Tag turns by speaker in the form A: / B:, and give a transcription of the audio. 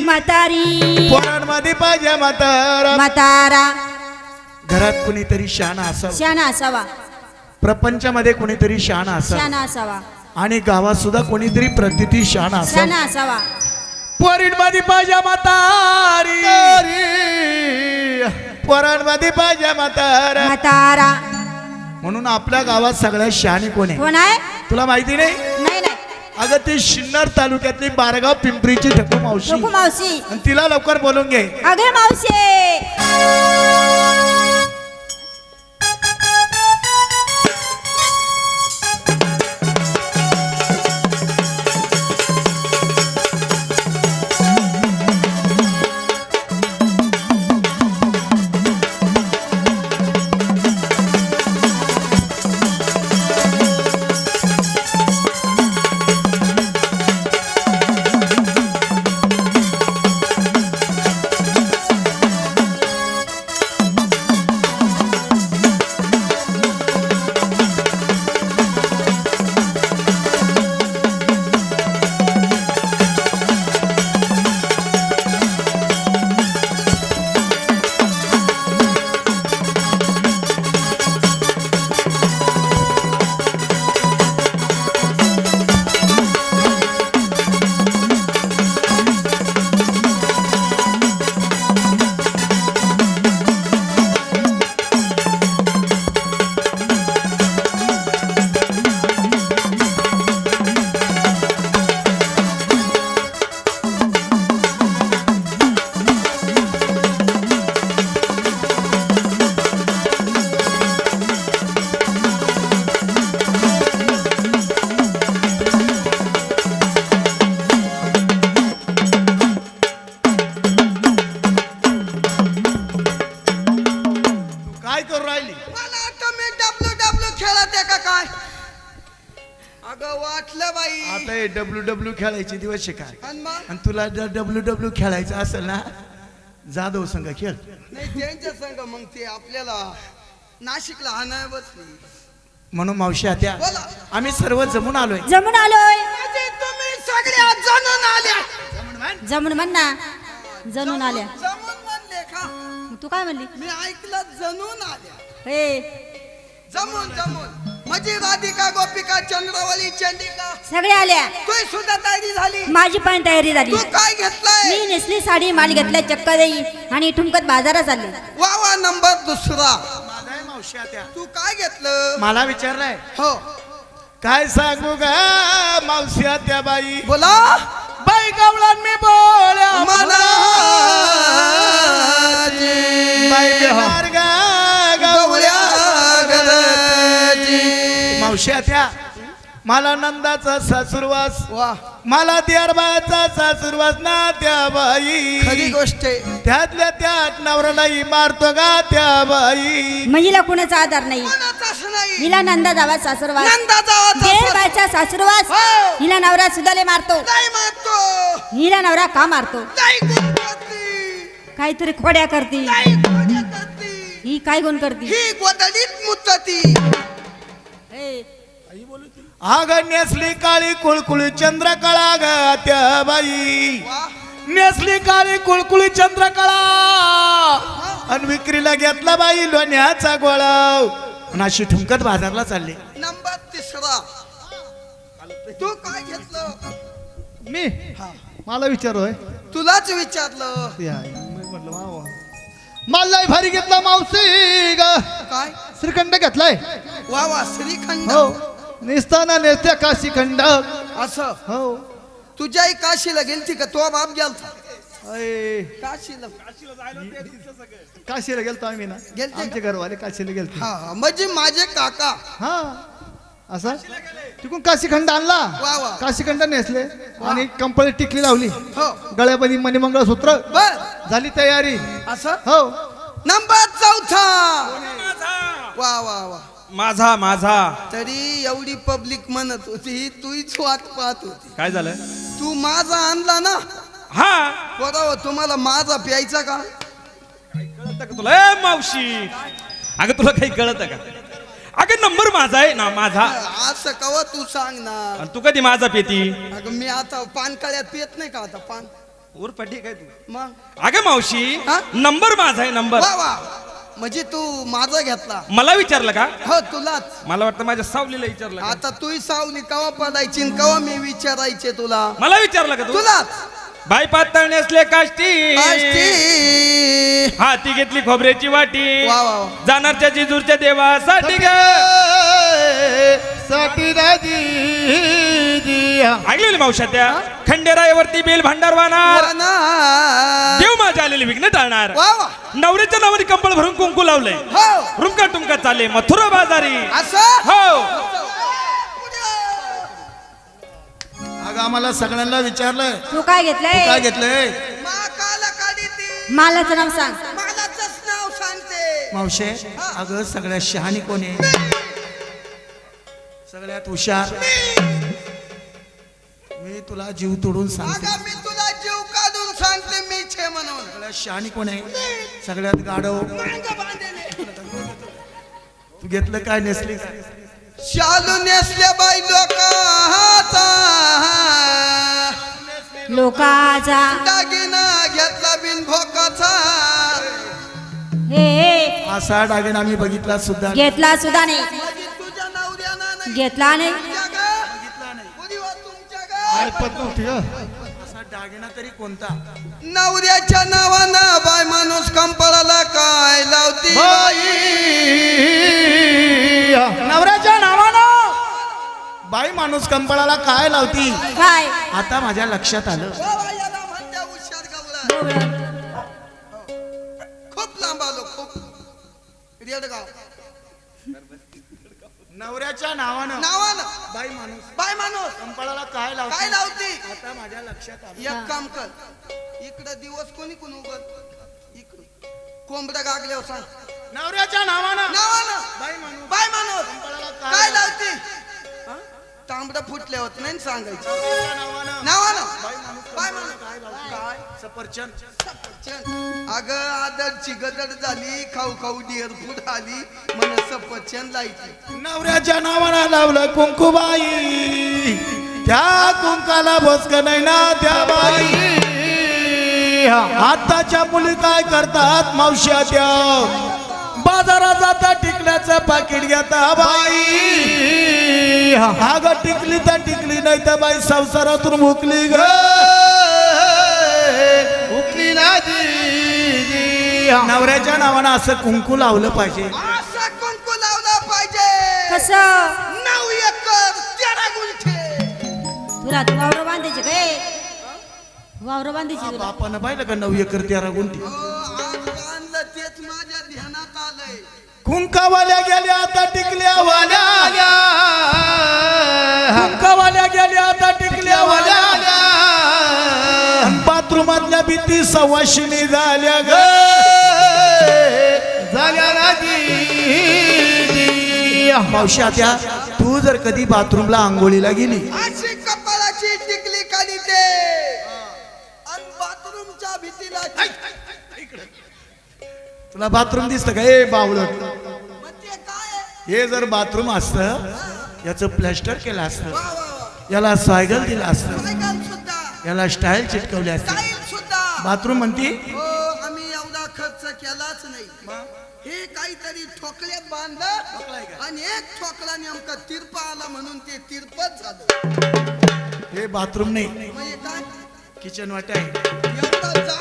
A: म्हातारी
B: पोरांमध्ये पाहिजे म्हातारा
A: म्हातारा
B: घरात कुणीतरी शहाणा असावा
A: शाना असावा
B: प्रपंचामध्ये कुणीतरी शहाणा असावा
A: शाना असावा
B: आणि गावात सुद्धा कोणीतरी प्रतिती शहाणा असावा
A: शाना असावा
B: पोरींमध्ये पाहिजे म्हातारी पोरांमध्ये पाहिजे म्हातारा
A: म्हातारा
B: म्हणून आपल्या गावात सगळ्यात शहाणी कोण आहे
A: कोण आहे
B: तुला माहिती नाही
A: नाही नाही
B: अगं ती शिन्नर तालुक्यातली बारगाव पिंपरीची ठकू मावशी
A: नको मावशी
B: आणि तिला लवकर बोलून घे
A: अगे मावशी
B: काय करू राहिली
C: मला आता मी डब्ल्यू खेळत आहे का काय अगं वाटलं बाई
B: आता हे डब्ल्यू खेळायचे दिवस आहे काय
C: आणि मग
B: आणि तुला जर डब्ल्यू खेळायचं असेल ना जाधव संघ खेळ
C: नाही त्यांच्या संग मग ते आपल्याला नाशिकला आणाय बसली
B: म्हणून मावशी आत्या
C: बोला.
B: आम्ही सर्व जमून आलोय
A: जमून आलोय
C: म्हणजे तुम्ही सगळ्या जणून आल्या
A: जमून म्हण ना जणून आल्या
C: जमून म्हणले का
A: मग तू काय म्हणली
C: मी ऐकलं जणून आल्या
A: हे
C: जमून म्हणजे राधिका गोपिका चंद्रवली चंडिका
A: सगळे आल्या
C: तू सुद्धा तयारी झाली
A: माझी पण तयारी झाली
C: तू काय घेतलंय
A: मी नेसली साडी माल घेतलाय चक्क देई आणि ठुमकत बाजारात चालले
C: वा नंबर दुसरा
B: माझा आहे मावशी आत्या
C: तू काय घेतलं
B: मला विचारलंय
C: हो
B: काय सांगू ग मावशी आत्या बाई
C: बोला
B: बाई गवळण मी बोल्या बाई बिहार गा गवळ्या मावशी आत्या मला नंदाचा सासूरवास
C: वा
B: मला दियारबाचा सासूरवास ना त्या बाई
C: खरी गोष्ट आहे
B: त्यातल्या त्यात नवऱ्यालाही मारतो गा त्या बाई
A: महिला कुणाचा आधार नाही
C: कोणाचाच नाही
A: हिला नंदा जावा सासरवास
C: नंदा जावाचा
A: बायचा सासरवास
C: हो.
A: हिला नवरा सुद्धा मारतो
C: नाही मारतो
A: हिला नवरा का मारतो
C: नाही गुण करती
A: काहीतरी खोड्या करती
C: नाही खोड्या करती
A: ही काय गुण करती
C: ही गोदडीत मुतती
A: हे,
B: आग नेसली काळी कुळकुळी चंद्रकळा ग त्या बाई
C: वा
B: नेसली काळी कुळकुळी चंद्रकळा आणि विक्रीला घेतला बाई लोण्याचा गोळा आणि अशी ठुमकत बाजारला चालली
C: नंबर तिसरा तू काय घेतलं
D: मी मला विचारोय
C: तुलाच विचारलं
D: म्हटलं वा वा मला भारी घेतला मावशी ग
C: काय
D: श्रीखंड घेतलाय
C: वा श्रीखंड
D: हो निस्ताना नेसत्या काशी खंड
C: असं
D: हो
C: तुझ्याही काशीला गेलती का तो बाप गेलता
D: अय,
C: काशीला
D: काशीला गेलतो आम्ही ना
C: गेलते का?
D: आमचे घरवाले काशीला गेलते
C: हा म्हणजे माझे काका
D: हा असा तिकडून काशीखंड आणला
C: वा वा
D: काशीखंड नेसले आणि कंपनी टिकली लावली
C: हो
D: गळ्यामध्ये मणिमंगळसूत्र
C: बर
D: झाली तयारी
C: असं
D: हो
C: नंबर चौथा वा वा वा
E: माझा
C: तरी एवढी पब्लिक म्हणत होती तूच वाट पाहत होती
E: काय झालं
C: तू माझा आणला ना
E: हा
C: बरोबर तुम्हाला माझा प्यायचा का
E: कळत का तुला ए मावशी अगं तुला काही कळत का अगं नंबर माझा आहे ना माझा
C: असं कवा तू सांग ना
E: आणि तू कधी माझा पेती
C: अगं मी आता पान कळ्यात पित नाही का आता पान
E: उरपाटी काय तू
C: मग
E: अगं मावशी
C: हा?
E: नंबर माझा आहे नंबर
C: वा वा म्हणजे तू माझा घेतला
E: मला विचारलं का
C: हो तुलाच
E: मला वाटतं माझ्या सावलीला विचारलं का?
C: आता तू सावली कवा पडायची न कवा मी विचारायचे तुला
E: मला विचारलं का तू
C: तुलाच
E: बाई पातळ नेसले काष्टी
C: आष्टी.
E: हाती घेतली खोबऱ्याची वाटी
C: वा वा वा.
E: जाणारच्या जिजूरच्या देवासाठी ग
D: साठी राजी
E: ऐकलेली मावशा त्या खंडेरायावरती बेल भांडार वाहणार
C: वना.
E: देव माझ्या आलेले विघ्न टाळणार
C: वा वा
E: नवऱ्याच्या नावाने कंबळ भरून कुंकू लावलंय
C: हो
E: रुमका टुमका चाले मथुरा बाजारी
C: असं
E: हो
B: अगं आम्हाला सगळ्यांना विचारलं
A: तू काय घेतलंय
B: काय घेतलंय
C: माकाला काढी ती
A: मालाचं नाव सांग
C: मालाच नाव सांगते
B: मावशे अगं सगळ्यात शहाणी कोण आहे सगळ्यात हुशार मी तुला जीव तोडून सांगते
C: अगं मी तुला जीव काढून सांगते मी छे म्हणून
B: सगळ्यात शहाणी कोण आहे सगळ्यात गाढव
C: मांग बांधले
B: तू घेतलं काय नेसली
C: शालू नेसल्या बाई लोकाचा
A: लोकाचा
C: दागिना घेतला बिन भोकाचा
A: हे
B: असा डागिना आम्ही बघितला सुद्धा
A: घेतला सुद्धा नाही
C: म्हणजे तुझ्या नवऱ्यानं नाही
A: घेतला नाही
C: तुमच्या ग? कुणी वा तुमच्या ग?
D: ऐपत नव्हती ग.
B: असा डागिना तरी कोणता
C: नवऱ्याच्या नावानं बाय माणूस कंपळाला काय लावती
B: नवऱ्याच्या नावानं बाई माणूस कंपळाला काय लावती
A: काय
B: आता माझ्या लक्षात आलं
C: वा वा, याला म्हणत्या हुशार गवळण. खूप लांब आलो खूप रेडगाव
B: नवऱ्याच्या नावानं
C: नावानं
B: बाई माणूस
C: बाय माणूस
B: कंपळाला काय
C: काय
B: लावती
C: लावती
B: आता माझ्या लक्षात आलं
C: एक काम कर इकडं दिवस कोणी कोण उगत इकडं कोंबड्या गागल्यावर सांग
B: नवऱ्याच्या नावानं
C: नावानं
B: बाई माणूस
C: बाय माणूस
B: कंपळाला
C: काय लावती तांबडं फुटले होत नाही सांगायचं
B: नवऱ्याच्या नावानं
C: नावानं
B: बाई माणूस
C: बाय
B: कंपळाला
C: माणूस
B: काय लावती
C: काय
B: सफरचंद
C: सफरचंद अगं आदरची गदर झाली खाऊ खाऊ डिअर फूड आली म्हण सफरचंद लायची
B: नवऱ्याच्या नावानं लावलं कुंकुबाई त्या कुंकाला भोसक नाही ना त्या बाई आताच्या मुली काय करतात मावश्या त्या बाजारात जाता टिकल्याचं पाकिट घेता बाई अगं टिकली तर टिकली नाही तर बाई संसारातून मुकली ग
D: उकली राजी
B: नवऱ्याच्या नावानं असं कुंकू लावलं पाहिजे
C: असा कुंकू लावला पाहिजे
A: कसं
C: 9 एकर 13 गुंठे
A: तुला तू वावर बांधायचे काय वावर बांधायची तुला
B: बापानं पाहिलं का 9 एकर 13 गुंठी
C: आज बांधलं तेच माझ्या ध्यानात आलंय
B: कुंकावाल्या गेल्या आता टिकल्या वाल्या कुंकावाल्या गेल्या आता टिकल्या वाल्या बाथरूमातल्या भीती सवाशिनी झाल्या ग
D: झाल्या राजी
B: मावशी त्या तू जर कधी बाथरूमला आंघोळीला गेली
C: अशी कपाळाची टिकली काढी ते आणि बाथरूमच्या भीतीला
B: तुला बाथरूम दिसतं का ए बावळट
C: मग ते काय आहे?
B: हे जर बाथरूम असतं याचं प्लॅस्टर केलं असतं
C: वा, वा, वा.
B: याला सायगल दिलं असतं
C: सायकल सुद्धा
B: याला स्टाईल चिटकवली असते
C: स्टाईल सुद्धा
B: बाथरूम म्हणती
C: हो आम्ही एवढा खर्च केलाच नाही हे काहीतरी ठोकल्यात बांधलं आणि एक ठोकला नेमका तिरपा आला म्हणून ते तिरपच झालं
B: हे बाथरूम नाही
C: म्हणजे काय
B: किचन वाट आहे
C: एवढा